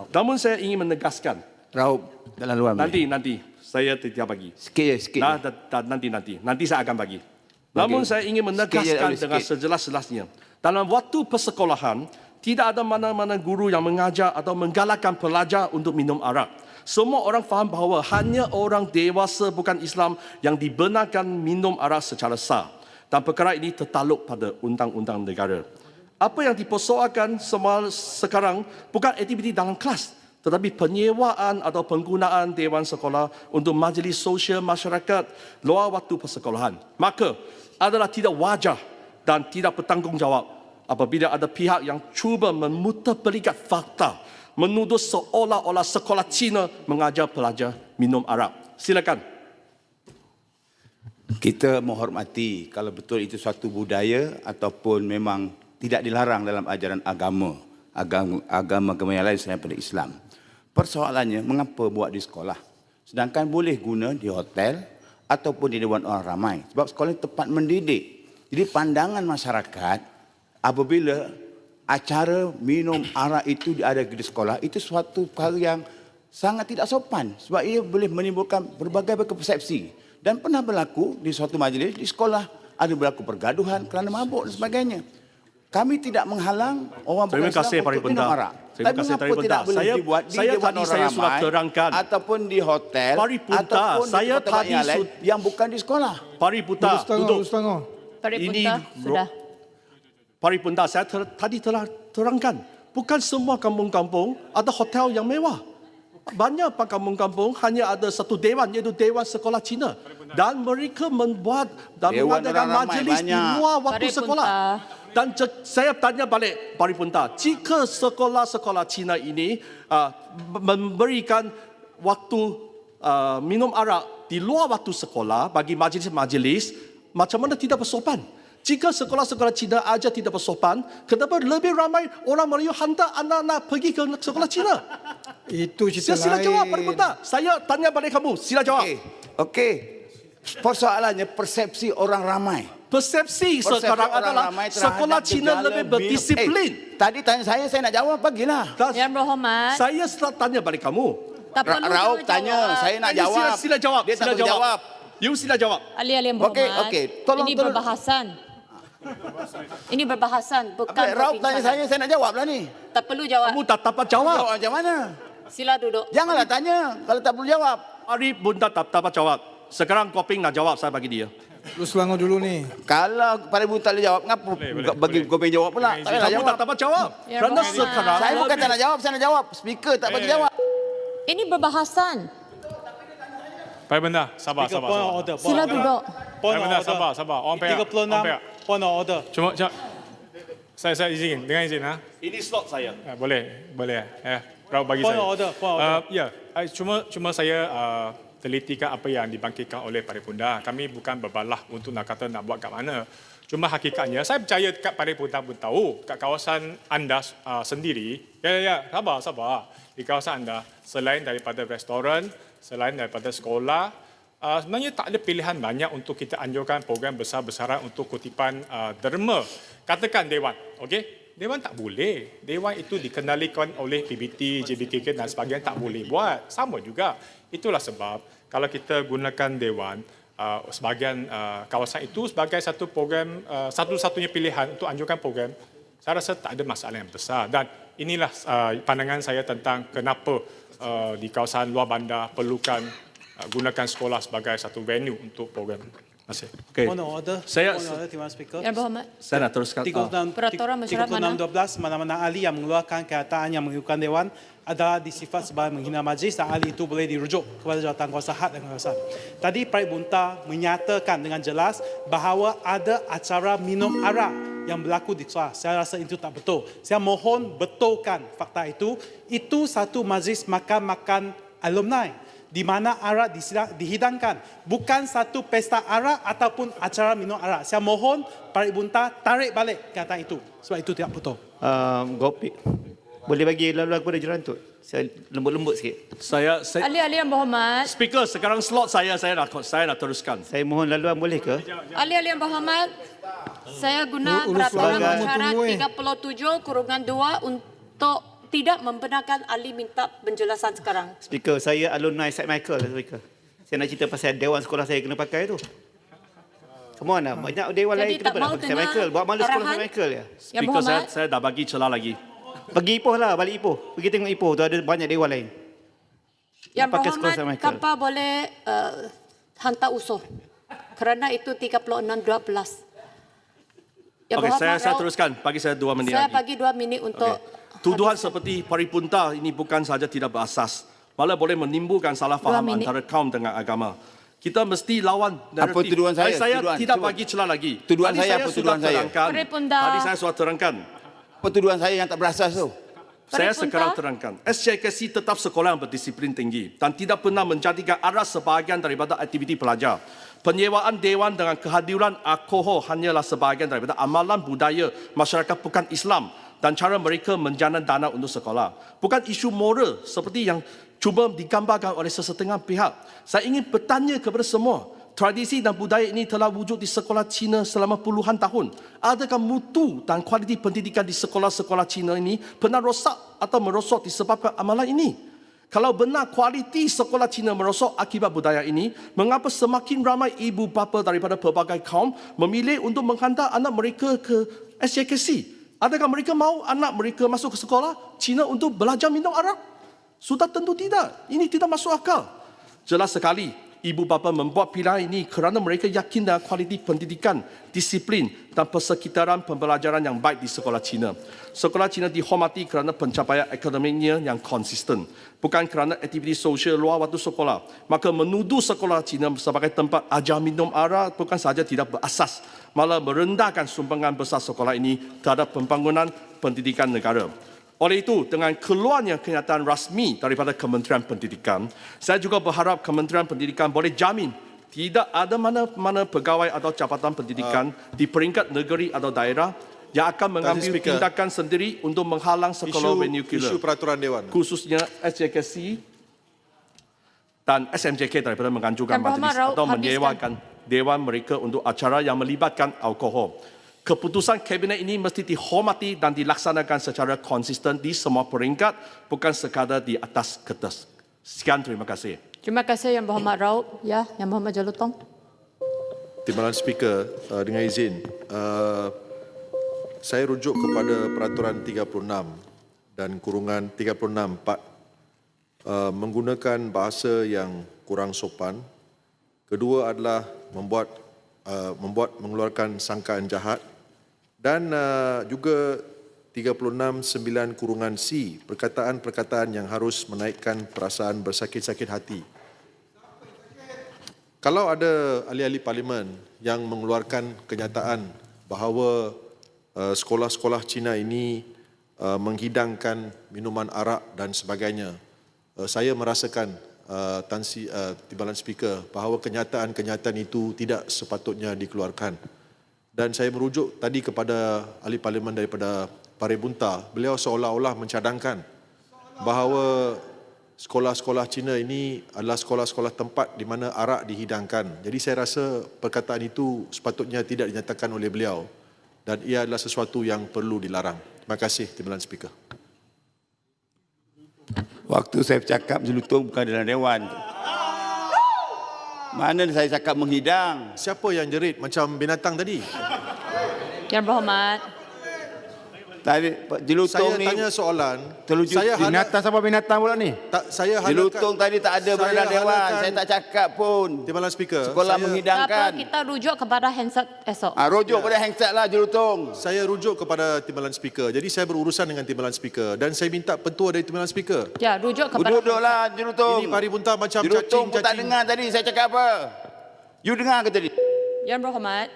Namun saya ingin menegaskan. Raup, dalam luar. Nanti. Saya tidak bagi. Sikit. Nanti saya akan bagi. Namun saya ingin menegaskan dengan sejelas-jelasnya. Dalam waktu persekolahan, tidak ada mana-mana guru yang mengajar atau menggalakkan pelajar untuk minum arak. Semua orang faham bahawa hanya orang dewasa bukan Islam yang dibenarkan minum arak secara sah. Dan perkara ini tertakluk pada undang-undang negara. Apa yang dipersoalkan sekarang bukan aktiviti dalam kelas, tetapi penyewaan atau penggunaan dewan sekolah untuk majlis sosial masyarakat luar waktu persekolahan. Maka adalah tidak wajar dan tidak bertanggungjawab apabila ada pihak yang cuba memutarbalikan fakta, menuduh seolah-olah sekolah Cina mengajar pelajar minum arak. Silakan. Kita menghormati kalau betul itu suatu budaya ataupun memang tidak dilarang dalam ajaran agama yang lain selain daripada Islam. Persoalannya, mengapa buat di sekolah? Sedangkan boleh guna di hotel ataupun di dewan orang ramai. Sebab sekolah ini tempat mendidik. Jadi pandangan masyarakat apabila acara minum arak itu ada di sekolah, itu suatu perkara yang sangat tidak sopan. Sebab ia boleh menimbulkan berbagai persepsi. Dan pernah berlaku di suatu majlis di sekolah, ada berlaku pergaduhan kerana mabuk dan sebagainya. Kami tidak menghalang orang bukan Islam untuk minum arak. Terima kasih, Tapi mengapa tidak boleh dibuat di dewan orang sudah ramai terangkan. ataupun di hotel Paripunta, ataupun di tempat yang lain yang bukan di sekolah. Paripunta, duduk. Paripunta, sudah. Paripunta, saya tadi telah terangkan. Bukan semua kampung-kampung ada hotel yang mewah. Banyak kampung-kampung hanya ada satu dewan, iaitu Dewan Sekolah Cina. Dan mereka membuat dan mengadakan majlis di luar waktu sekolah. Dan saya tanya balik Paripunta, jika sekolah-sekolah Cina ini memberikan waktu minum arak di luar waktu sekolah bagi majlis-majlis, macam mana tidak bersopan? Jika sekolah-sekolah Cina aja tidak bersopan, kenapa lebih ramai orang Melayu hantar anak-anak pergi ke sekolah Cina? Itu cerita lain. Sila jawab, Paripunta. Saya tanya balik kamu, sila jawab. Okey. Persoalannya persepsi orang ramai. Persepsi sekarang adalah sekolah Cina lebih berdisiplin. Tadi tanya saya nak jawab, bagilah. Yang berhormat. Saya setelah tanya balik kamu. Tak perlu Raup jawab. tanya, saya nak jawab. Sila jawab. Dia tak boleh jawab. You sila jawab. Ahli-ahli yang berhormat. Okey, tolong. Ini berbahasan. Ini berbahasan, bukan Raup tanya saya nak jawab lah ni. Tak perlu jawab. Kamu tak dapat jawab. Jawab macam mana? Sila duduk. Janganlah tanya kalau tak perlu jawab. Paripunta tak dapat jawab. Sekarang Koping nak jawab, saya bagi dia. Lu Selangor dulu ni. Kalau Paripunta tak boleh jawab, kenapa bagi Gopeng jawab pula? Tak payah Kamu jawab. tak dapat jawab. Ya, Kerana Rahman. sekarang Saya bukan tak nak jawab, saya nak jawab. Speaker tak bagi jawab. Ini berbahasan. Paripunta, sabar. Sila duduk. Paripunta, sabar. Orang pihak. 36 point of order. Cuma saya izin, dengan izin ha. ini slot saya. Boleh. Raup bagi Point saya. of order, point of order. Ya, cuma saya telitikan apa yang dibangkitkan oleh Paripunta. Kami bukan berbalah untuk nak kata nak buat kat mana. Cuma hakikatnya, saya percaya kat Paripunta pun tahu, kat kawasan anda sendiri, sabar. Di kawasan anda, selain daripada restoran, selain daripada sekolah, sebenarnya tak ada pilihan banyak untuk kita anjurkan program besar-besaran untuk kutipan derma. Katakan Dewan, okey? Dewan tak boleh. Dewan itu dikendalikan oleh PBT, JBKK dan sebagainya, tak boleh buat. Sama juga. Itulah sebab kalau kita gunakan Dewan, sebahagian kawasan itu sebagai satu program, satu-satunya pilihan untuk anjurkan program, saya rasa tak ada masalah yang besar. Dan inilah pandangan saya tentang kenapa di kawasan luar bandar perlukan gunakan sekolah sebagai satu venue untuk program. Terima kasih. Okay. Point of order. Saya- Point of order, Tuan Speaker. Yang berhormat. Saya nak teruskan. 36 Peraturan mesyuarat mana? 3612 mana-mana ahli yang mengeluarkan kenyataan yang mengikutkan Dewan adalah disifat sebagai menghina majlis dan ahli itu boleh dirujuk kepada Jawatankuasa Had dan Kawasan. Tadi Paripunta menyatakan dengan jelas bahawa ada acara minum arak yang berlaku di sekolah. Saya rasa itu tak betul. Saya mohon betulkan fakta itu. Itu satu majlis makan-makan alumni di mana arak dihidangkan. Bukan satu pesta arak ataupun acara minum arak. Saya mohon Paripunta tarik balik kata itu. Sebab itu tidak betul. Gopik, boleh bagi lalu kepada Jerantut? Saya lembut-lembut sikit. Saya Ahli-ahli yang berhormat. Speaker, sekarang slot saya nak teruskan. Saya mohon laluan boleh ke? Ahli-ahli yang berhormat. Saya guna Urus peraturan pelanggan mesyuarat tunggu, 37/2 untuk tidak membenarkan ahli minta penjelasan sekarang. Speaker, saya alumni St. Michael, Speaker. Saya nak cerita pasal dewan sekolah saya kena pakai tu. Come on lah, banyak dewan Jadi lain tak kena mau pakai St. dengar Michael. Buat malu sekolah arahan? St. Michael ya. Yang Speaker, Berhormat, saya dah bagi celah lagi. Pergi Ipoh lah, balik Ipoh. Pergi tengok Ipoh, tu ada banyak dewan lain. Yang pakai sekolah Berhormat, St. Michael. kapal boleh hantar usul. Kerana itu 36-12. Yang Okey, saya Berhormat, teruskan. Bagi saya 2 minit saya lagi. bagi 2 minit untuk Tuduhan seperti Paripunta ini bukan sahaja tidak berasas, malah boleh menimbulkan salah faham minit. antara kaum dengan agama. Kita mesti lawan naratif. Apa tuduhan saya? Saya Tuduhan. tidak Cuba. bagi celah lagi. Tuduhan Tadi saya apa sudah tuduhan saya? terangkan. Paripunta. Tadi saya sudah terangkan. Apa tuduhan saya yang tak berasas tu? Saya Paripunta. sekarang terangkan. SJKC tetap sekolah yang berdisiplin tinggi dan tidak pernah menjadikan arah sebahagian daripada aktiviti pelajar. Penyewaan dewan dengan kehadiran alkohol hanyalah sebahagian daripada amalan budaya masyarakat bukan Islam dan cara mereka menjana dana untuk sekolah. Bukan isu moral seperti yang cuba digambarkan oleh sesetengah pihak. Saya ingin bertanya kepada semua, tradisi dan budaya ini telah wujud di sekolah Cina selama puluhan tahun. Adakah mutu dan kualiti pendidikan di sekolah-sekolah Cina ini pernah rosak atau merosot disebabkan amalan ini? Kalau benar kualiti sekolah Cina merosot akibat budaya ini, mengapa semakin ramai ibu bapa daripada pelbagai kaum memilih untuk menghantar anak mereka ke SJKC? Adakah mereka mahu anak mereka masuk ke sekolah Cina untuk belajar minum arak? Sudah tentu tidak. Ini tidak masuk akal. Jelas sekali, ibu bapa membuat pilihan ini kerana mereka yakin dengan kualiti pendidikan, disiplin dan persekitaran pembelajaran yang baik di sekolah Cina. Sekolah Cina dihormati kerana pencapaian akademiknya yang konsisten, bukan kerana aktiviti sosial luar waktu sekolah. Maka menuduh sekolah Cina sebagai tempat ajar minum arak bukan sahaja tidak berasas, malah merendahkan sumbangan besar sekolah ini terhadap pembangunan pendidikan negara. Oleh itu, dengan keluarnya kenyataan rasmi daripada Kementerian Pendidikan, saya juga berharap Kementerian Pendidikan boleh jamin tidak ada mana-mana pegawai atau jabatan pendidikan di peringkat negeri atau daerah yang akan mengambil Speaker. tindakan sendiri untuk menghalang sekolah vernacular, Isu peraturan Dewan. khususnya SJKC dan SMJK daripada menganjurkan Yang Berhormat majlis Raut, atau habiskan. menyewakan dewan mereka untuk acara yang melibatkan alkohol. Keputusan Kabinet ini mesti dihormati dan dilaksanakan secara konsisten di semua peringkat, bukan sekadar di atas kertas. Sekian, terima kasih. Terima kasih Yang Berhormat Raut. Ya, Yang Berhormat Jalutong. Timbalan Speaker, dengan izin, saya rujuk kepada peraturan 36 dan kurungan 36(4) menggunakan bahasa yang kurang sopan. Kedua adalah mengeluarkan sangkaan jahat dan juga 36(9)(C) perkataan-perkataan yang harus menaikkan perasaan bersakit-sakit hati. Kalau ada ahli-ahli parlimen yang mengeluarkan kenyataan bahawa sekolah-sekolah Cina ini menghidangkan minuman arak dan sebagainya, saya merasakan Timbalan Speaker bahawa kenyataan-kenyataan itu tidak sepatutnya dikeluarkan. Dan saya merujuk tadi kepada ahli parlimen daripada Paripunta, beliau seolah-olah mencadangkan bahawa sekolah-sekolah Cina ini adalah sekolah-sekolah tempat di mana arak dihidangkan. Jadi saya rasa perkataan itu sepatutnya tidak dinyatakan oleh beliau dan ia adalah sesuatu yang perlu dilarang. Terima kasih, Timbalan Speaker. Waktu saya bercakap jelutong bukan dalam dewan. Mana saya cakap menghidang? Siapa yang jerit macam binatang tadi? Yang Berhormat. Tadi jelutong Saya ni tanya soalan. terlucu. Saya Binatang siapa binatang pula ni? saya Jelutong tadi tak ada berada dalam dewan. Saya tak cakap pun. Timbalan Speaker. Sekolah Tak apa, menghidangkan. kita rujuk kepada handset esok. Rujuk pada handset lah jelutong. Saya rujuk kepada Timbalan Speaker. Jadi saya berurusan dengan Timbalan Speaker dan saya minta pentua dari Timbalan Speaker. Ya, rujuk kepada Duduklah jelutong. Ini Paripunta macam Jelutong pun tak cacing-cacing. dengar tadi saya cakap apa. You dengar ke tadi? Yang Berhormat.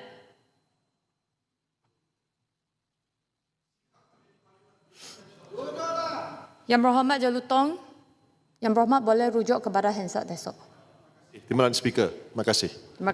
Yang Berhormat Jalutong. Yang Berhormat boleh rujuk kepada handset esok. Timbalan Speaker. Terima kasih. Terima